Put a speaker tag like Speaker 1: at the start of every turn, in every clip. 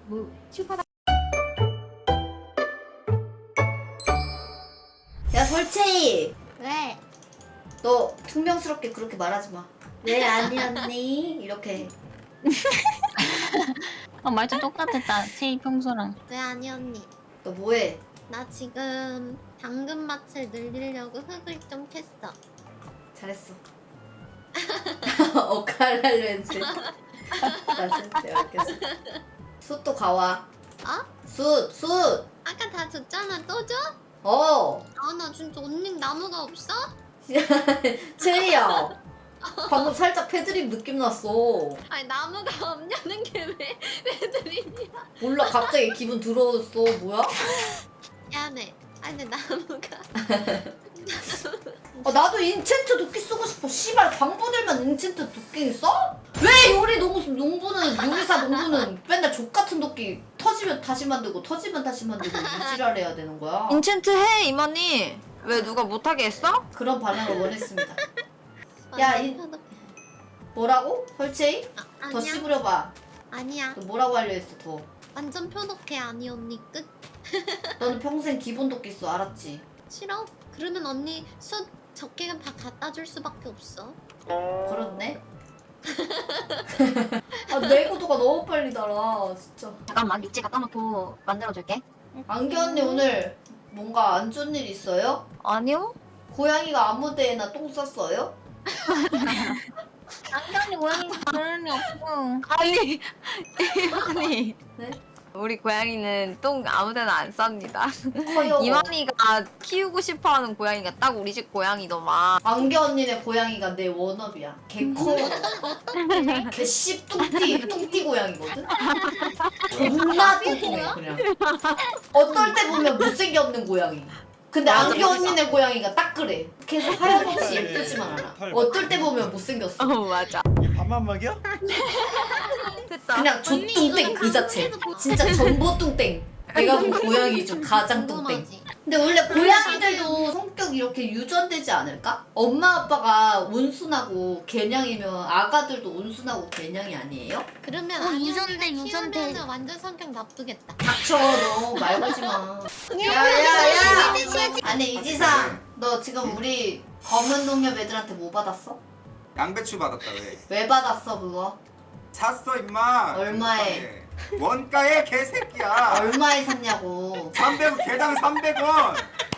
Speaker 1: 뭐 슈퍼다.
Speaker 2: 야 설채희,
Speaker 3: 왜?
Speaker 2: 너 퉁명스럽게 그렇게 말하지 마. 왜 아니었니? 이렇게.
Speaker 4: 말투 똑같았다. 체이 평소랑.
Speaker 3: 왜 아니었니?
Speaker 2: 너 뭐해?
Speaker 3: 나 지금 당근밭을 늘리려고 흙을 좀 캤어.
Speaker 2: 잘했어. 억하려 했지. 나 진짜 알겠어. 숯도 가와.
Speaker 3: 어?
Speaker 2: 숯.
Speaker 3: 아까 다 줬잖아. 또 줘?
Speaker 2: 어.
Speaker 3: 아, 나 진짜 언니 나무가 없어?
Speaker 2: 채희야. 방금 살짝 패드립 느낌 났어.
Speaker 3: 아니 나무가 없냐는 게 왜 드리냐?
Speaker 2: 몰라, 갑자기 기분 더러웠어. 뭐야?
Speaker 3: 미안해. 아니 근데 나무가
Speaker 2: 나도 인챈트 도끼 쓰고 싶어. 씨발, 방부들만 인챈트 도끼 써? 왜 요리사 농부는 맨날 족같은 도끼 터지면 다시 만들고 터지면 다시 만들고 이지랄 해야 되는 거야?
Speaker 1: 인챈트 해 이만희. 왜 누가 못하게 했어?
Speaker 2: 그런 반응을 원했습니다. 야, 뭐라고? 설채희? 더
Speaker 3: 아니야.
Speaker 2: 씹으려봐.
Speaker 3: 아니야.
Speaker 2: 너 뭐라고 하려 했어, 더.
Speaker 3: 완전 표독해. 아니 언니 끝.
Speaker 2: 너는 평생 기본 도끼 써, 알았지?
Speaker 3: 싫어? 그러면 언니 숯 적게 다 갖다 줄 수밖에 없어.
Speaker 2: 그렇네. 내구도가 너무 빨리 달아, 진짜.
Speaker 1: 잠깐만 육지 갖다 놓고 만들어줄게.
Speaker 2: 안개 언니 오늘 뭔가 안 좋은 일 있어요?
Speaker 1: 아니요.
Speaker 2: 고양이가 아무 데에나 똥 쌌어요?
Speaker 4: 안경이 고양이 그럴 리 없고.
Speaker 1: 아니 이만희.
Speaker 2: 네?
Speaker 1: 우리 고양이는 똥 아무데나 안 쌉니다.
Speaker 2: 커요.
Speaker 1: 이만희가 키우고 싶어하는 고양이가 딱 우리 집 고양이더만.
Speaker 2: 안개 언니네 고양이가 내 워너비야. 개 커. 개 똥띠 고양이거든? 존나 뚱뚱해, 그냥. 어떨 때 보면 못생겼는 고양이. 근데 안개 언니네 고양이가 딱 그래. 계속 하염없이 예쁘지만 않아. 어떨 때 보면 못생겼어.
Speaker 1: 맞아.
Speaker 5: 이 밥만 먹여?
Speaker 1: 됐다.
Speaker 2: 그냥 족뚱땡 그 자체. 진짜 전보뚱땡. 내가 본 고양이 중 가장 뚱땡.
Speaker 3: 궁금하지?
Speaker 2: 근데 원래 고양이들도 성격이 이렇게 유전되지 않을까? 엄마 아빠가 온순하고 개냥이면 아가들도 온순하고 개냥이 아니에요?
Speaker 3: 그러면
Speaker 4: 어,
Speaker 3: 아니
Speaker 4: 유전돼,
Speaker 3: 언니가
Speaker 4: 유전돼.
Speaker 3: 키우면은 완전 성격 나쁘겠다.
Speaker 2: 닥쳐, 너 말 걸지 마. 야야야! 아니 이지상, 너 지금 우리 검은 농협 애들한테 뭐 받았어?
Speaker 6: 양배추 받았다. 왜?
Speaker 2: 왜 받았어 그거?
Speaker 6: 샀어 임마.
Speaker 2: 얼마에?
Speaker 6: 원가에 개새끼야.
Speaker 2: 얼마에 샀냐고.
Speaker 6: 300원 개당 300원.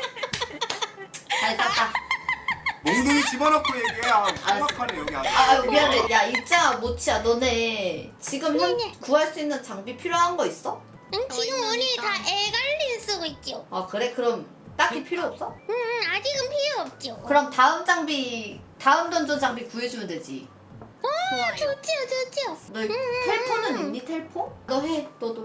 Speaker 2: 잘 샀다.
Speaker 6: 몽둥이 집어넣고 얘기해. 정확하네 여기 아주.
Speaker 2: 미안해. 야 이짱아 모치야, 너네 지금 구할 수 있는 장비 필요한 거 있어?
Speaker 3: 응, 지금 우리 다 에갈린 쓰고 있죠.
Speaker 2: 아 그래? 그럼 딱히 필요 없어?
Speaker 3: 아직은 필요 없죠.
Speaker 2: 그럼 다음 던전 장비 구해주면 되지.
Speaker 3: 좋지요.
Speaker 2: 너 텔포는 있니? 텔포? 너 해, 너도.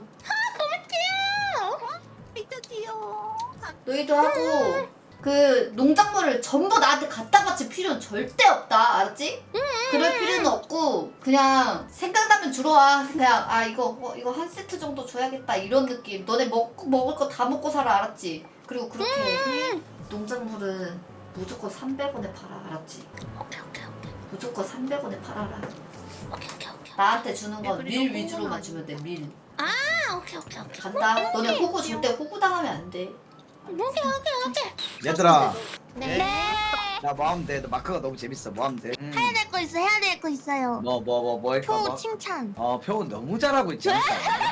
Speaker 1: 진짜 귀여워.
Speaker 2: 너희도 하고 그 농작물을 전부 나한테 갖다 바칠 필요는 절대 없다, 알았지? 그럴 필요는 없고 그냥 생각나면 주러 와. 그냥 이거 한 세트 정도 줘야겠다 이런 느낌. 너네 먹을 거 다 먹고 살아, 알았지? 그리고 그렇게 농작물은 무조건 300원에 팔아, 알았지?
Speaker 3: 오케이.
Speaker 2: 무조건 300원에 팔아라.
Speaker 3: 오케이.
Speaker 2: 나한테 주는 건 밀 위주로만 주면 돼, 밀.
Speaker 3: 아, 오케이.
Speaker 2: 간다. 너네 호구 절대 호구 당하면 안 돼.
Speaker 3: 오케이.
Speaker 5: 얘들아,
Speaker 3: 네.
Speaker 5: 나 뭐 하면 돼? 너 마크가 너무 재밌어. 뭐 하면 돼?
Speaker 4: 해야 될 거 있어요.
Speaker 5: 뭐 할까?
Speaker 4: 표 칭찬.
Speaker 5: 표현 너무 잘하고 있지. 어?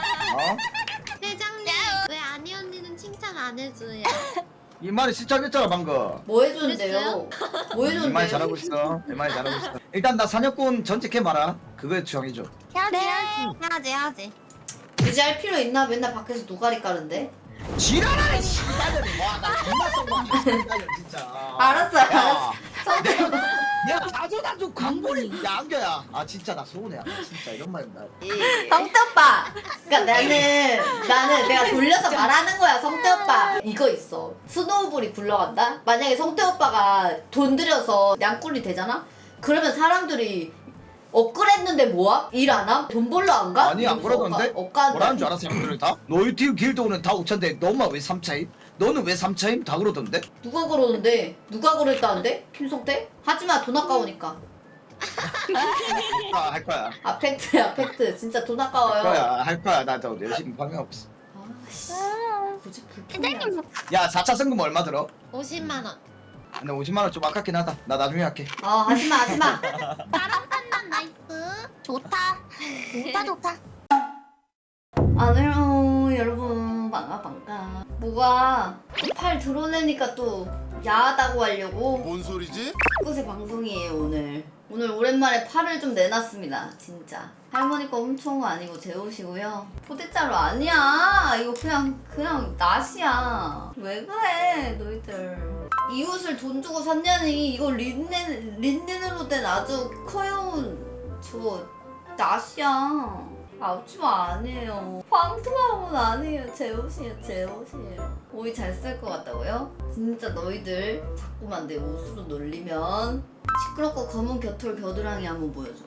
Speaker 3: 회장님, 왜 아니 언니는 칭찬 안 해줘요?
Speaker 5: 이 말이 시작했잖아 방금.
Speaker 2: 뭐 해주는데요? 뭐
Speaker 5: 이
Speaker 2: 해주는데요?
Speaker 5: 말이 잘하고 있어. 이 말이 잘하고 있어. 일단 나 사냥꾼 전직해 마라. 그거 정해줘.
Speaker 4: 해야지.
Speaker 2: 굳이 할 필요 있나? 맨날 밖에서 노가리 까는데?
Speaker 5: 지랄하네 씨발년이. 와나 존나 썩어. 진짜.
Speaker 2: 알았어.
Speaker 5: 내가 자주자주 광고를 야 안겨야. 진짜 나 서운해. 진짜 이런 말 나.
Speaker 2: 성태 오빠! 그니까 나는 내가 돌려서 말하는 거야, 성태 오빠. 이거 있어. 스노우볼이 굴러간다? 만약에 성태 오빠가 돈 들여서 양꾼이 되잖아? 그러면 사람들이 업그레이드했는데 뭐야? 일 안 함? 돈 벌러 안 가?
Speaker 5: 아니 안 그러던데?
Speaker 2: 억간다.
Speaker 5: 뭐라는 줄 알아 사람들을 다? 너희 팀 길드 오는 다 5천대. 너만 왜 3차임? 너는 왜 3차임? 다 그러던데?
Speaker 2: 누가 그러는데? 누가 그랬다는데? 김성태? 하지마, 돈 아까우니까.
Speaker 5: 할 거야.
Speaker 2: 아 팩트야 팩트. 진짜 돈 아까워요.
Speaker 5: 할 거야. 나 더 열심히 방해하고 있어.
Speaker 2: 아씨. 굳이 불편해.
Speaker 5: 야 4차 승금 얼마 들어?
Speaker 3: 50만 원.
Speaker 5: 근데 50만 원 좀 아깝긴 하다. 나 나중에 할게.
Speaker 2: 하지마 하지마.
Speaker 4: 나랑 판단 나이스. 좋다. 좋다.
Speaker 2: 안녕 여러분 반가. 뭐가 또 팔 드러내니까 또 야하다고 하려고
Speaker 6: 뭔 소리지?
Speaker 2: 곳의 방송이에요 오늘. 오늘 오랜만에 팔을 좀 내놨습니다 진짜. 할머니 거 훔쳐온 거 아니고 제 옷이고요. 포대자루 아니야. 이거 그냥 낫이야. 왜 그래 너희들. 이 옷을 돈 주고 샀냐니. 이거 린넨으로 된 아주 커요운 저 낫이야. 앞치마 아니에요. 황토하고는 아니에요. 제 옷이에요. 오이 잘 쓸 것 같다고요? 진짜 너희들 자꾸만 내 옷으로 놀리면 시끄럽고 검은 겨털 겨드랑이 한번 보여줘.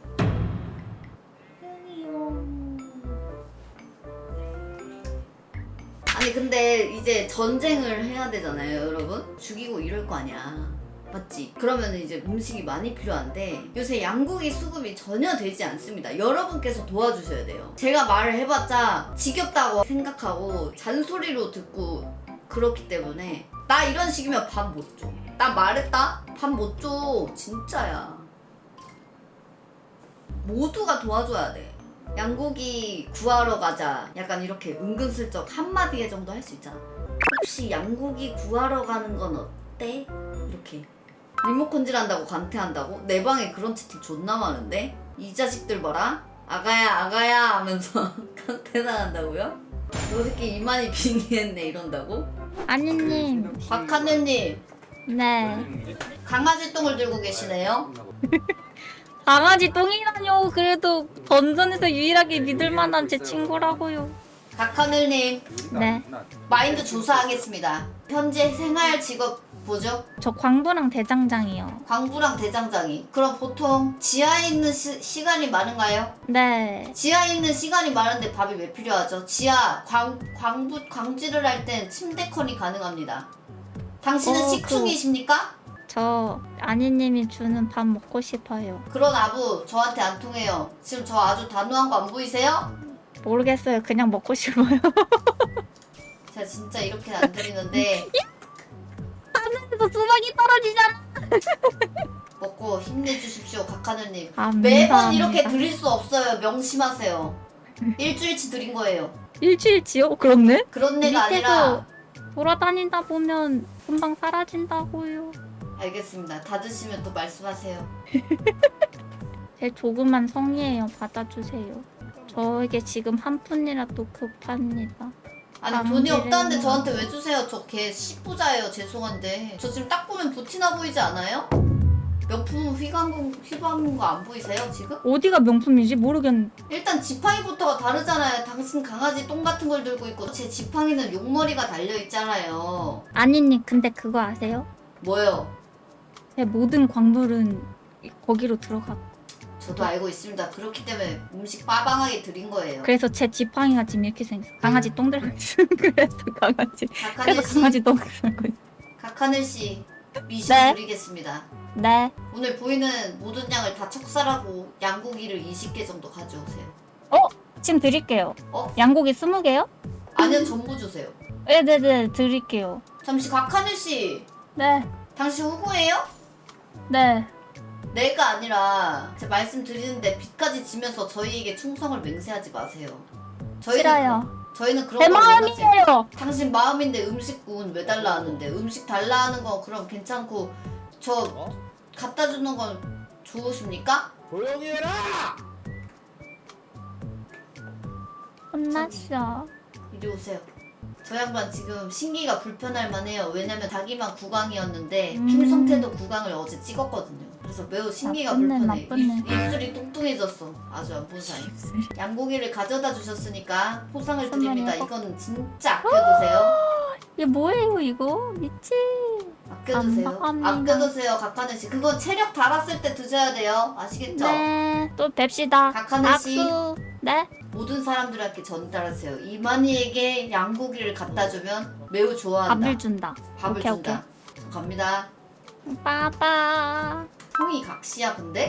Speaker 2: 아니 근데 이제 전쟁을 해야 되잖아요 여러분. 죽이고 이럴 거 아니야. 맞지? 그러면 이제 음식이 많이 필요한데 요새 양고기 수급이 전혀 되지 않습니다. 여러분께서 도와주셔야 돼요. 제가 말을 해봤자 지겹다고 생각하고 잔소리로 듣고 그렇기 때문에 나 이런 식이면 밥 못 줘. 나 말했다? 밥 못 줘. 진짜야. 모두가 도와줘야 돼. 양고기 구하러 가자. 약간 이렇게 은근슬쩍 한마디 정도 할 수 있잖아. 혹시 양고기 구하러 가는 건 어때? 이렇게. 리모컨질 한다고 간태한다고? 내 방에 그런 채팅 존나 많은데? 이 자식들 봐라. 아가야 하면서 간태당한다고요? 너 새끼 이만희 빙의했네 이런다고?
Speaker 4: 아니님.
Speaker 2: 박하늘님
Speaker 4: 네.
Speaker 2: 강아지 똥을 들고 계시네요?
Speaker 4: 강아지 똥이라뇨. 그래도 던전에서 유일하게 믿을 만한 제 친구라고요.
Speaker 2: 박하늘님
Speaker 4: 네.
Speaker 2: 마인드 조사하겠습니다. 현재 생활 직업 뭐죠?
Speaker 4: 저 광부랑 대장장이요.
Speaker 2: 광부랑 대장장이. 그럼 보통 지하에 있는 시간이 많은가요?
Speaker 4: 네.
Speaker 2: 지하에 있는 시간이 많은데 밥이 왜 필요하죠? 지하 광지를 할 땐 침대컨이 가능합니다. 당신은 식충이십니까?
Speaker 4: 저 아니님이 주는 밥 먹고 싶어요.
Speaker 2: 그런 아부 저한테 안 통해요. 지금 저 아주 단호한 거 안 보이세요?
Speaker 4: 모르겠어요. 그냥 먹고 싶어요.
Speaker 2: 제가 진짜 이렇게는 안 드리는데
Speaker 4: 하늘에서 수박이 떨어지잖아.
Speaker 2: 먹고 힘내주십시오 각하늘님.
Speaker 4: 감사합니다.
Speaker 2: 매번 이렇게 드릴 수 없어요. 명심하세요. 일주일치 드린 거예요.
Speaker 4: 일주일치요? 그렇네?
Speaker 2: 그런 애가 아니라.
Speaker 4: 돌아다니다 보면 금방 사라진다고요.
Speaker 2: 알겠습니다. 다 드시면 또 말씀하세요.
Speaker 4: 제 조그만 성의예요. 받아주세요. 저에게 지금 한 푼이라도 급합니다.
Speaker 2: 아니 돈이 없다는데 저한테 왜 주세요? 저 걔 10부자예요. 죄송한데 저 지금 딱 보면 부티나 보이지 않아요? 명품 휘감은 거 안 보이세요 지금?
Speaker 4: 어디가 명품이지? 모르겠는데.
Speaker 2: 일단 지팡이부터가 다르잖아요. 당신 강아지 똥 같은 걸 들고 있고 제 지팡이는 용머리가 달려있잖아요.
Speaker 4: 아니님 근데 그거 아세요?
Speaker 2: 뭐요?
Speaker 4: 제 모든 광물은 거기로 들어가.
Speaker 2: 저도 알고 있습니다. 그렇기 때문에 음식 빠방하게 드린 거예요.
Speaker 4: 그래서 제 지팡이가 지금 이렇게 생겼어. 강아지 똥 들고 있어. 그래서 강아지. 그래서
Speaker 2: 각하늘씨
Speaker 4: 강아지 똥 들고 있어.
Speaker 2: 각하늘씨 미신
Speaker 4: 네.
Speaker 2: 드리겠습니다.
Speaker 4: 네.
Speaker 2: 오늘 보이는 모든 양을 다 척살하고 양고기를 20개 정도 가져오세요.
Speaker 4: 지금 드릴게요.
Speaker 2: 양고기
Speaker 4: 20개요?
Speaker 2: 아니요 전부 주세요.
Speaker 4: 네네네 드릴게요.
Speaker 2: 잠시 각하늘씨
Speaker 4: 네.
Speaker 2: 당신 후보예요?
Speaker 4: 네.
Speaker 2: 내가 아니라 제가 말씀드리는데 빚까지 지면서 저희에게 충성을 맹세하지 마세요.
Speaker 4: 싫어요.
Speaker 2: 저희는 그런
Speaker 4: 제
Speaker 2: 거 원하지.
Speaker 4: 마음이에요.
Speaker 2: 당신 마음인데 음식군 왜 달라 하는데 음식 달라 하는 건 그럼 괜찮고 저 갖다 주는 건 좋으십니까?
Speaker 5: 조용히 해라.
Speaker 4: 혼났어.
Speaker 2: 이리 오세요. 저 양반 지금 신기가 불편할 만해요. 왜냐면 자기만 구강이었는데 김성태도 구강을 어제 찍었거든요. 그래서 매우 신기가 불편해.
Speaker 4: 나쁘네.
Speaker 2: 입술이 뚱뚱해졌어. 아주 안 본 사이. 양고기를 가져다 주셨으니까 포상을 드립니다. 이건 진짜 아껴두세요.
Speaker 4: 이게 뭐예요 이거? 미치.
Speaker 2: 아껴두세요.
Speaker 4: 감사합니다.
Speaker 2: 아껴두세요. 각하늘씨. 그건 체력 달았을 때 드셔야 돼요. 아시겠죠?
Speaker 4: 네. 또 뵙시다.
Speaker 2: 각하늘씨.
Speaker 4: 악수. 네.
Speaker 2: 모든 사람들한테 전달하세요. 이만희에게 양고기를 갖다 주면 매우 좋아한다.
Speaker 4: 밥을 준다.
Speaker 2: 밥을
Speaker 4: 오케이,
Speaker 2: 준다. 저 갑니다.
Speaker 4: 빠빠.
Speaker 2: 형이 각시야 근데?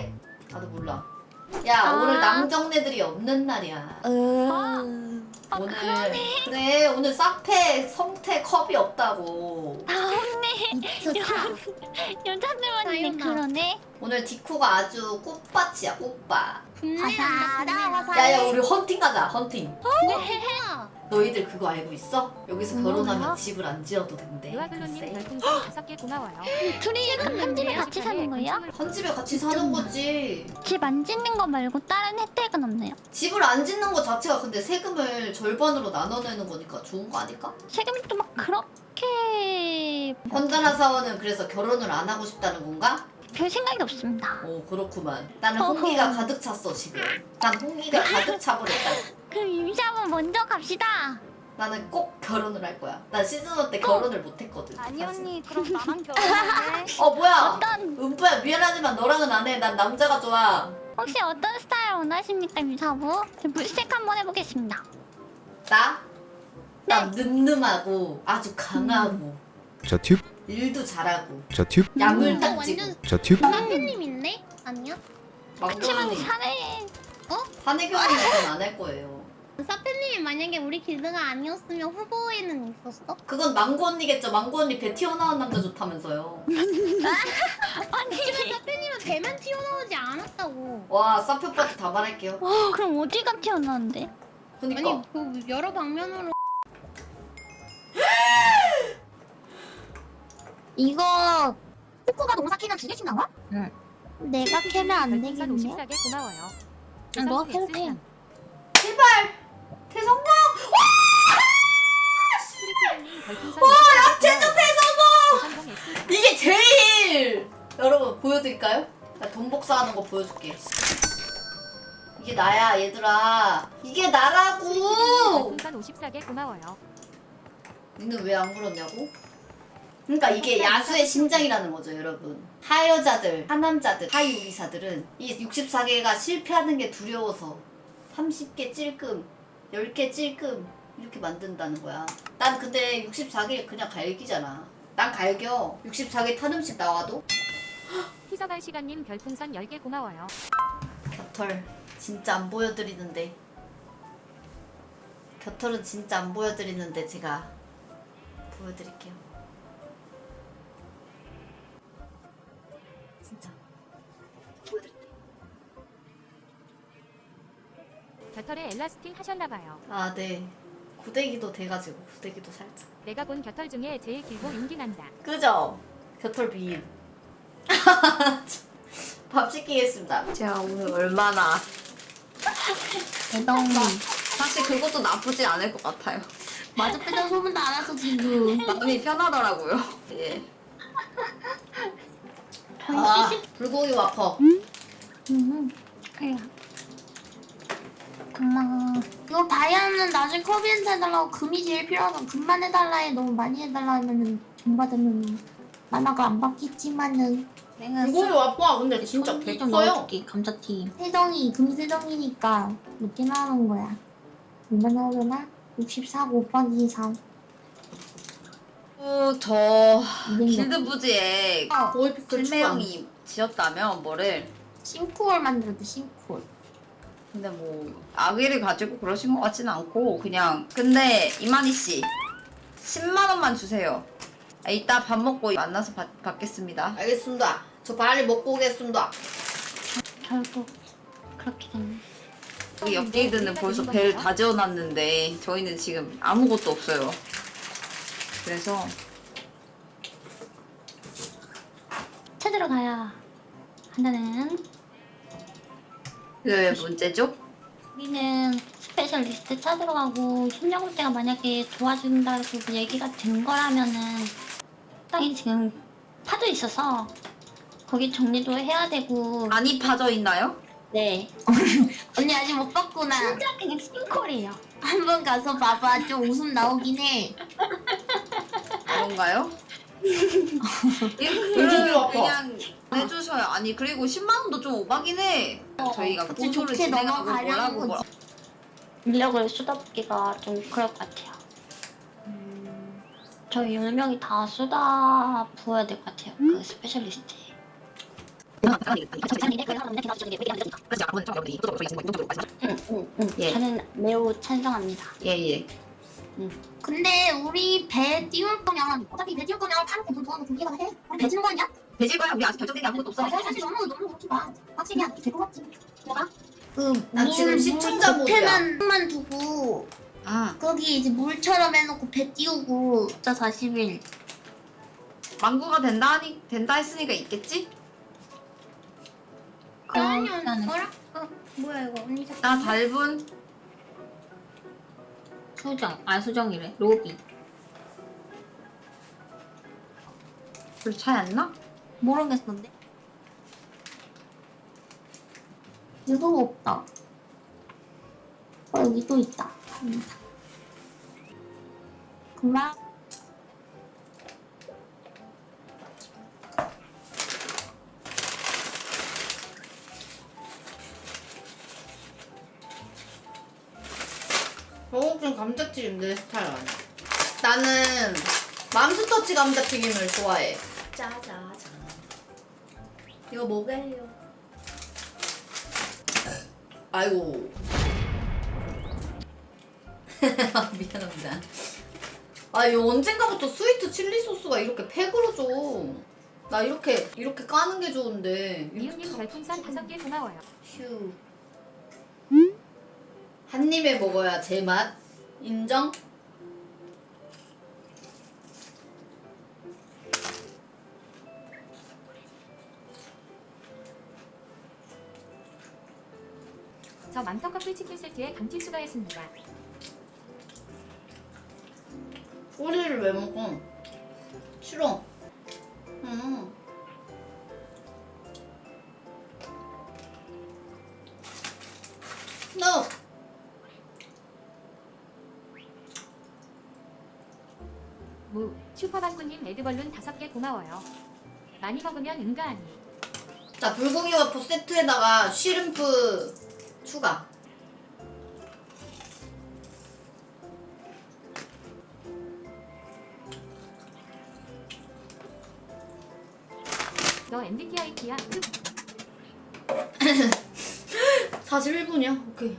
Speaker 2: 나도 몰라. 야 오늘 남정네들이 없는 날이야. 오늘 그래 오늘 싹패 성태 컵이 없다고.
Speaker 3: 좋다.
Speaker 4: 여자들만 있네. 그러네.
Speaker 2: 오늘 디코가 아주 꽃밭이야 꽃밭.
Speaker 3: 화사하다
Speaker 2: 야야 우리 헌팅 가자 헌팅.
Speaker 3: 화사.
Speaker 2: 너희들 그거 알고 있어? 여기서 결혼하면
Speaker 4: 뭐야?
Speaker 2: 집을 안 지어도 된대.
Speaker 7: 유아글로님
Speaker 2: 글쎄.
Speaker 7: 별풍선 5개 고마워요.
Speaker 4: 둘이 한 집에 같이 사는 거예요?
Speaker 2: 한 집에 같이 사는 거지.
Speaker 4: 집 안 짓는 거 말고 다른 혜택은 없나요?
Speaker 2: 집을 안 짓는 거 자체가 근데 세금을 절반으로 나눠내는 거니까 좋은 거 아닐까?
Speaker 4: 세금이 또 막 그렇게
Speaker 2: 현단아 사원은 그래서 결혼을 안 하고 싶다는 건가?
Speaker 4: 별 생각이 없습니다.
Speaker 2: 오 그렇구만. 나는 홍기가 가득 찼어 지금. 난 홍기가 가득 차버렸다.
Speaker 4: 그럼 임시한번 먼저 갑시다.
Speaker 2: 나는 꼭 결혼을 할 거야. 난 시즌1 때 결혼을 못 했거든.
Speaker 1: 아니
Speaker 2: 사실.
Speaker 1: 언니 그럼 나랑 결혼할래?
Speaker 2: 뭐야?
Speaker 4: 어떤
Speaker 2: 은프야 미안하지만 너랑은 안 해. 난 남자가 좋아.
Speaker 4: 혹시 어떤 스타일 원하십니까 임사부? 물색 한번 해보겠습니다.
Speaker 2: 나? 나 늠름하고 아주 강하고
Speaker 8: 저 튜브?
Speaker 2: 일도 잘하고
Speaker 8: 저 튜브?
Speaker 2: 야물딱지고
Speaker 3: 완전
Speaker 8: 저 튜브?
Speaker 3: 사표님 있네? 아니야?
Speaker 4: 그치만
Speaker 2: 막걸리
Speaker 4: 사내
Speaker 2: 사내 결혼은 안 할 거예요.
Speaker 3: 사표님이 만약에 우리 길드가 아니었으면 후보에는 있었어?
Speaker 2: 그건 망고 언니겠죠. 망고 언니 배 튀어나온 남자 좋다면서요.
Speaker 3: 하지만 사표님은 배만 튀어나오지 않았다고.
Speaker 2: 와 사표 오빠한테 다 말할게요.
Speaker 4: 그럼 어디가 튀어나왔는데?
Speaker 2: 그니까
Speaker 3: 아니 그 여러 방면으로.
Speaker 4: 이거
Speaker 3: 코코가 농사 키는 2개씩 나와?
Speaker 4: 내가 캐면 안
Speaker 7: 별풍선
Speaker 4: 되겠네?
Speaker 7: 54개 고마워요.
Speaker 4: 뭐 캐면
Speaker 2: 제발 대성공.
Speaker 7: 와,
Speaker 2: 제주
Speaker 7: 대성공!
Speaker 2: 이게 제일 여러분 보여드릴까요? 나 돈 복사하는 거 보여줄게. 이게 나야 얘들아. 이게 나라고.
Speaker 7: 별풍선 54개 고마워요.
Speaker 2: 니는 왜 안 그러냐고? 그러니까 이게 야수의 심장이라는 거죠 여러분. 하여자들, 하남자들, 하이우리사들은 이 64개가 실패하는 게 두려워서 30개 찔끔, 10개 찔끔 이렇게 만든다는 거야. 난 근데 64개 그냥 갈기잖아. 난 갈겨. 64개 탄 음식 나와도.
Speaker 7: 희석할 시간님 별풍선 10개 고마워요.
Speaker 2: 겨털 진짜 안 보여드리는데. 겨털은 진짜 안 보여드리는데 제가 보여드릴게요. 진짜 보여드릴게요.
Speaker 7: 겨털에 엘라스틴 하셨나봐요.
Speaker 2: 아 네. 구데기도 돼가지고 구데기도 살짝.
Speaker 7: 내가 본 겨털 중에 제일 길고 용기 난다.
Speaker 2: 그죠? 겨털 비인. 밥 시키겠습니다.
Speaker 1: 제가 오늘 얼마나
Speaker 4: 대동
Speaker 1: 사실 그것도 나쁘지 않을 것 같아요.
Speaker 3: 마저 빼다 소문도 안 와서 지금.
Speaker 1: 마음이 편하더라고요. 예.
Speaker 2: 아 불고기 와퍼.
Speaker 4: 그래. 고마워.
Speaker 3: 이거 다이아는 나중에 커비한테 해달라고 금이 제일 필요하다. 금만 해달라 해. 너무 많이 해달라 하면은 돈 받으면 만화가 안 바뀌지만은.
Speaker 4: 내가
Speaker 2: 불고기 와퍼 근데 진짜
Speaker 3: 좀
Speaker 2: 개커요.
Speaker 3: 넣어줄게 감자튀김. 세정이 금세정이니까 몇개 나오는 거야. 얼마나 오려나? 64 곱하기 3.
Speaker 1: 저
Speaker 3: 200
Speaker 1: 길드 부지에
Speaker 2: 고이피클 추가.
Speaker 1: 실매형이 지었다면 뭐를
Speaker 3: 싱크홀 만들었대 싱크홀.
Speaker 1: 근데 뭐 악의를 가지고 그러신 것 같지는 않고 그냥 근데 이만희 씨 10만 원만 주세요. 이따 밥 먹고 만나서 받겠습니다.
Speaker 2: 알겠습니다. 저 빨리 먹고 오겠습니다.
Speaker 4: 결국 그렇게 됐네.
Speaker 1: 여기 옆길드는 벌써 배를 다 지어놨는데 저희는 지금 아무것도 없어요. 그래서
Speaker 4: 찾으러 가야 한다는
Speaker 1: 그게 왜 문제죠?
Speaker 4: 우리는 스페셜리스트 찾으러 가고 협력업체가 만약에 도와준다고 얘기가 된 거라면은 땅이 지금 파져 있어서 거기 정리도 해야 되고
Speaker 1: 많이 파져 있나요?
Speaker 4: 네
Speaker 3: 언니 아직 못 봤구나.
Speaker 4: 진짜 그냥 싱콜이에요.
Speaker 3: 한번 가서 봐봐. 좀 웃음 나오긴 해.
Speaker 1: 그런가요?
Speaker 2: 불고기 와퍼.
Speaker 1: 그냥 해주셔요. 아니 그리고 10만 원도 좀 오바긴 해. 저희가
Speaker 3: 그치,
Speaker 1: 고소를
Speaker 3: 좋게
Speaker 1: 진행하고
Speaker 3: 넘어가려는
Speaker 1: 뭐라고
Speaker 3: 거지.
Speaker 4: 인력을 쏟아붓기가 좀 그럴 것 같아요. 저희 10명이 다 쏟아 부어야 될 것 같아요. 그 스페셜리스트에.
Speaker 1: 예.
Speaker 3: 저는 매우 찬성합니다.
Speaker 1: 예예.
Speaker 3: 근데 우리 배 띄울 거면 어차피 배 띄울 거면 파는 돈 모아놓고 우리가 해. 우리 배 지는 거 아니야?
Speaker 1: 배질 거야. 우리 아직 결정된 게 아무것도 없어.
Speaker 3: 사실 너무 그렇게 막 빡세게 안 될것 같지. 내가
Speaker 2: 나 지금 시청자 모드야.
Speaker 3: 만 두고
Speaker 1: 아
Speaker 3: 거기 이제 물처럼 해놓고 배 띄우고 숫자 41.
Speaker 1: 망구가 된다 했으니까 있겠지?
Speaker 3: 그러면 뭐야 이거 언니
Speaker 1: 나 달분
Speaker 3: 수정이래 로비.
Speaker 1: 별 차이 안 나?
Speaker 3: 모르겠는데. 유도 없다. 여기 또 있다. 그만.
Speaker 2: 저건 감자튀김 내 스타일 아니야. 나는 맘스터치 감자튀김을 좋아해. 짜자자. 이거 먹을래요. 아이고. 미안합니다. 아, 이거 언젠가부터 스위트 칠리 소스가 이렇게 팩으로 줘. 나 이렇게 까는 게 좋은데.
Speaker 7: 미우님 별풍선 5개 고마워요.
Speaker 2: 휴. 한 입에 먹어야 제맛. 인정?
Speaker 7: 저 맘터 커플 치킨 세트에 감튀 추가했습니다.
Speaker 2: 꼬리를 왜 먹어? 싫어. No.
Speaker 7: 슈퍼방구님 레드벌룬 5개 고마워요. 많이 먹으면 은가하니.
Speaker 2: 자, 불고기 와퍼 세트에다가 쉬림프 추가.
Speaker 7: 너 MBTI야?
Speaker 2: 41분이야? 오케이.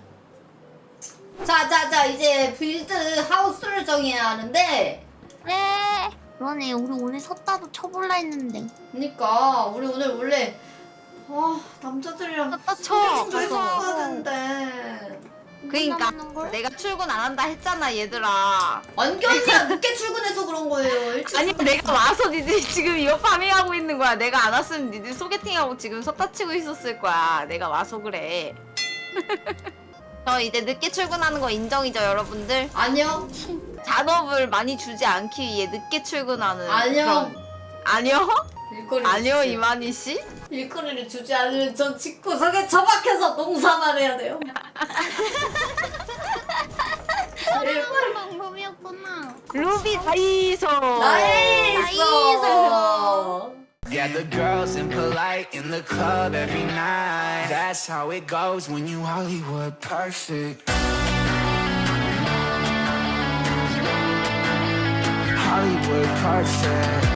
Speaker 2: 자, 이제 빌드 하우스를 정해야 하는데,
Speaker 3: 네. 그러네. 우리 오늘 섰다도 쳐볼라 했는데.
Speaker 2: 그니까, 우리 오늘 원래, 남자들이랑
Speaker 1: 섰다 쳐.
Speaker 2: 좀 했어야 되는데.
Speaker 1: 그러니까
Speaker 3: 남는 걸?
Speaker 1: 내가 출근 안 한다 했잖아 얘들아.
Speaker 2: 완견이가 늦게 출근해서 그런 거예요. 일찍
Speaker 1: 아니 내가 와서 니들이 지금 이거 파밍하고 있는 거야. 내가 안 왔으면 니들 소개팅하고 지금 섰다 치고 있었을 거야. 내가 와서 그래. 저 이제 늦게 출근하는 거 인정이죠 여러분들?
Speaker 2: 아니요.
Speaker 1: 잔업을 많이 주지 않기 위해 늦게 출근하는
Speaker 2: 아니요.
Speaker 1: 그런- 아니요?
Speaker 2: 일거리
Speaker 1: 아니요 이만희 씨?
Speaker 2: 일거리를 주지 않으면 전 집구석에 처박혀서 농사만 해야 돼요.
Speaker 3: 그런 방법이었구나.
Speaker 1: 루비 다이소.
Speaker 2: 나이스.
Speaker 8: Gather girls and polite in the club every night. That's how it goes when you Hollywood perfect. Hollywood perfect.